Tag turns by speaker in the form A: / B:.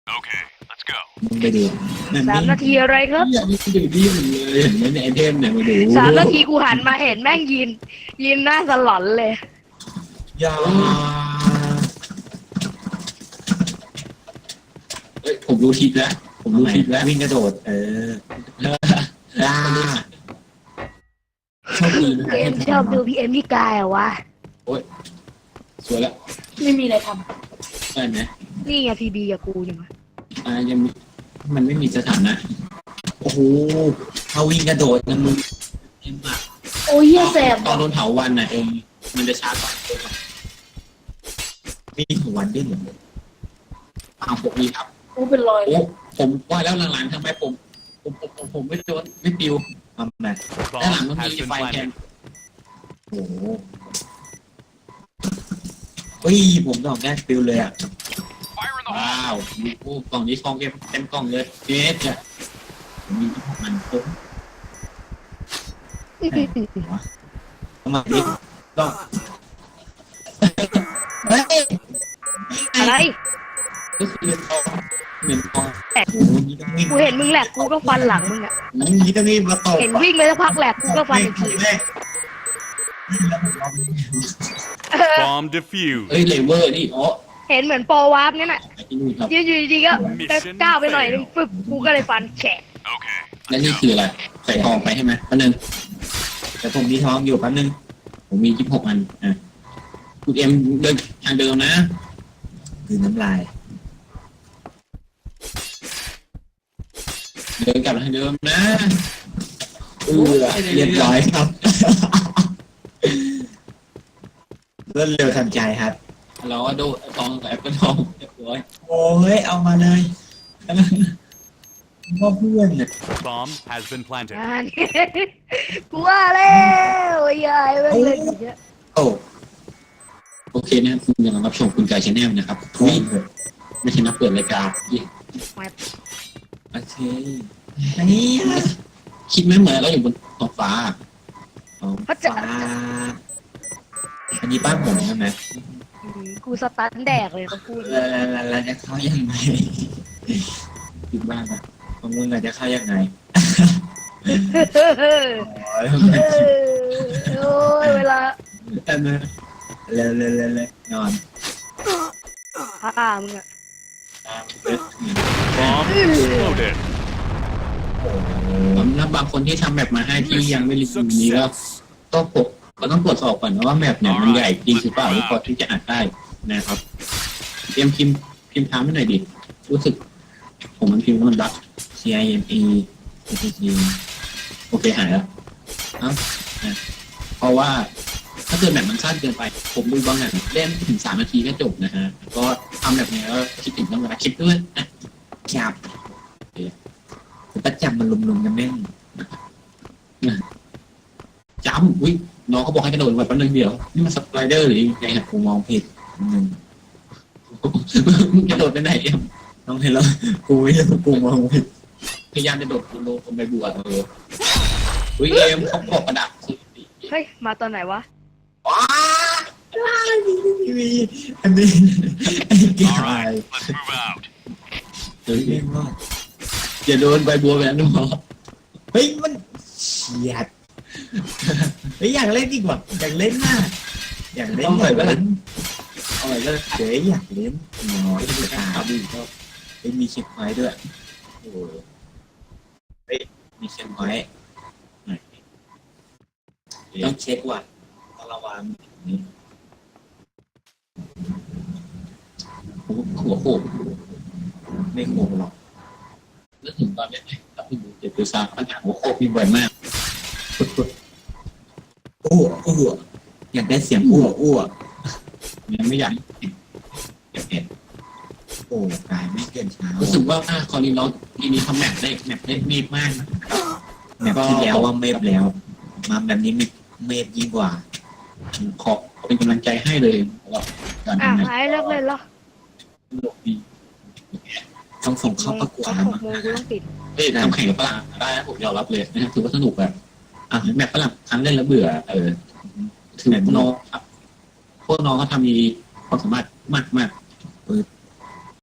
A: มึงไปดู
B: 3 นาทีอะไรครับ
A: อยากดูดีเหมือนเลยเห็นไหมในไอเทมเนี่ยมาดู
B: 3 นาทีกูหันมาเห็นแม่งยืนหน้าสลอนเลย
A: ยาเฮ้ยผมรู้ทิศแล้ว
C: วิ่งกระโดดโชคดีนะ
B: พี่เอ็มชอบดูพี่เอ็มพี่กายเหรอวะ
A: โอ้ยสวยแล้ว
D: ไม่มีอะไรท
A: ได้ไหม
B: นี่ไงพีบีกับกูยังไง
A: ยังมีมันไม่มีสถานะ
C: โอ้โหเขาวิ่งกระโดดนะมึง
A: เอ็มอะ
D: ำโอ้ยเหี้ยแสบ
A: ตอนโดนเผาวันน่ะมันจะช้ากว่า
C: มีของวันด้วยเหรอ
A: ปกนี้ครับ
D: โอ้เป็นรอย
A: โอ้ผมว่าแล้วหลังๆทำไมผมไม่โดนไม่ปิว
C: ทำไม
A: ด้านหลังมันมีไฟแทน
C: โอ้โหเฮ้ยผมดอกแรกฟิวเลยอ่ะ
A: ว้าวโอ้กล่องนี้ทองเต็มกล่องเลยเจ๊จะมีของมันครบ
C: ทำไมดิต้องเฮ้ย
B: อะไร
A: ก็คือเงินทอง
C: โอ้โหนี่ต้องวิ่ง
B: กูเห็นมึงแหลกกูก็ฟันหลังมึงอะ
C: นี่ต้องวิ่งมาตบ
B: เห็นวิ่งไปสักพักแหลกกูก็ฟันอีกที
C: แรก
E: Bomb defused.
A: เอ้ยเลเวอร์นี่อ๋อ
B: เห็นเหมือนโปรวาร์ปงั้นน่ะ
A: ไอ้ที่นู่นครับ
B: ยืนอยู่ดีๆก็ก้าวไปหน่อยนึงฟึบกูก็เลยฟันแฉะ
A: และนี่คืออะไรใส่ทองไปใช่ไหมอันนึง
C: แต่ผมมีทองอยู่แป๊บนึง
A: ผมมี26 อันคุณเอ็มเดินทางเดิมนะ
C: คือน้ำลาย
A: เดินกลับทางเดิมนะ
C: เรียบร้อยครับรวดเร็วทันใจครับ
A: เราก็ดูทองแอปเปิลทองเรียบร้อย
C: โอ้ยเอามาเลยว่าเพื่อนเนี่ย
E: Bomb has been planted.
B: อ่านี่กูว่าแล้วไอ้ยายแม่งเล่นอย่างเงี้ย
C: โอ้
A: โอเคนะคุณกำลังรับชมคุณกายชาแนลนะครับ
C: วิ่ง
A: ไม่ใช่นักเปิดรายการ
C: โอเคอันนี้
A: คิดไม่เหมือนเราอยู่บนท้องฟ้า
B: เขาจะ
C: ฟ้าอันนี้บ้านผมใช่ไหม
B: กูสตันแดกเลยเขาพูด
C: แล้วจะเข้ายังไงคิดบ้างอะของมึงอะจะเข้ายังไงโอ้ย
B: โอ้ยเวลา
C: เร็วนอน
B: ผ้ามึงอะ
E: Bomb exploded.
A: สำหรับบางคนที่ทำแบบมาให้ที่ยังไม่รีวิวนี้ก็
E: Success.
A: ก็ต้องตรวจสอบก่อนนะว่าแมปเนี่ยมันใหญ่จริงหรือเปล่าหรือพอที่จะอ่านได้นะครับเตรียมพิมพ์ถามให้หน่อยดิรู้สึก ผมมันพิมพ์แล้วมันรัก
C: CIME ATG
A: โอเคหายแล้วเพราะว่าถ้าเกิดแบบมันสั้นเกินไป ผมดูบางอย่างเล่นถึง3 นาทีก็จบนะฮะก็ทำแบบนี้แล้วคิดถึงต้องเวลาคิดด้วยนะ
C: จับประจับมันลุมๆกันแม่ง
A: จำอุ้ยน้องเขาบอกให้กระโดดแบบนึงเดียวนี่มันสไลเดอร์หรือยังไงฮะ
C: กูมองผิดมึง
A: กระโดดไปไหนเอ็ม
C: ต้องให้เรากูไม่รู้กูมองผิด
A: พยายามจะโดดลงคนไปบวชอุ้ยเอ็มเขาบอกกระดาษ
B: เฮ้ยมาตอนไหนวะ
A: ว้า
C: มีอันนี้ไอ้เกี่ยว
E: Let's move out.
A: เฮ้ย
C: เรียกว่า
A: อย่าโดนใบบัวแบบนั้นหรอ
C: เฮ้ยมันเฉียดเฮ้ยอยากเล่นดีกว่าอยากเล่นมากอยากเล่น
A: ต้องหน่อยก็ได้
C: เอาหน่อยก็เดี๋ยวอยากเล่นน้อยจะตา
A: ครับ
C: ดีก็เฮ้ยมีเช็คไว้ด้วยโอ้เฮ้ยมีเช็คไว้ต้องเช็คว่ะต้องระวังนี่
A: หัวโขก
C: ไม่โกงหรอก
A: นึกถึงตอนนี้ถ้าคุณดูเจ็บตัวซาปัญหาหัวโขกมีบ่อยมาก
C: อ้วอ้วอยากได้เสียงอ้วอ้ว
A: ยังไม่อยากเห็น
C: โอ้กายไม่เกินเช้า
A: รู้สึกว่าคอรีเราทีนี้ทำแมปได้มีมากนะ
C: แบบที่แล้วว่าเมฟแล้ว มาแบบนี้เมฟยิ่งกว่า
A: ขอเป็นกำลังใจให้เลยว่าการ
B: อ่ะ
A: ทำแมป
B: หายเลิกเล่นแล้ว
A: สนุกดี
C: ต้องส่งเข้าประกวด
B: 6
C: แล้ว
B: โม
C: มั้
B: ง
C: ง
B: กูต้องปิด
A: เฮ้ยทำแข่งกับฝรั่งได้นะผมยอมรับเลยนะถือว่าสนุกแบบแมปฝรั่งครั้งเล่นแล้วเบื่อถึงน้องครับพวกน้องเขาทำมีความสามารถมาก